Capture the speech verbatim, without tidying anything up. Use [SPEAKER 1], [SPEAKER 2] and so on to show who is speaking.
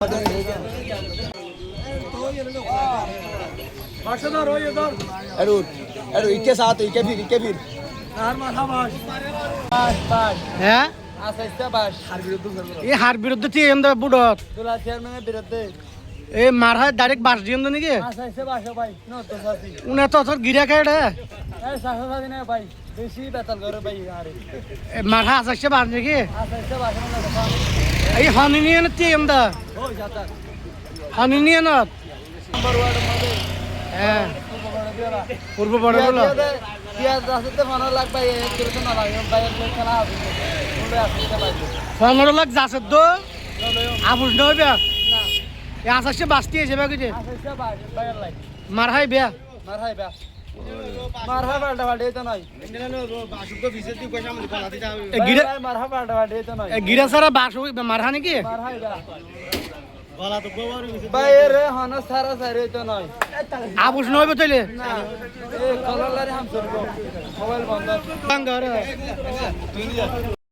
[SPEAKER 1] इक्के साथ इक्के फिर इक्के फिर
[SPEAKER 2] হ্যাঁ এই হার বিরুদ্ধে তুই এম দা বুড়ত এই মার হয় ডাইরেক্ট বাস দিয়ে নাকি উনি তো তোর গিরা খায় রে মার হয় আসাইছে বাস নাকি এই হনি নিয়ে না তুই এম দা হনি নিয়ে না হ্যাঁ পূর্ব বড় বলো পনেরো লাখ যাচ্ছে তো আবুস নয় বিয়া আসাইছে বাঁচতে এসে বাকি মার হাই বিয়া গিরা সারা বাস মারহা নাকি আবুস নয় বতলে
[SPEAKER 3] মোবাইল বন্ধ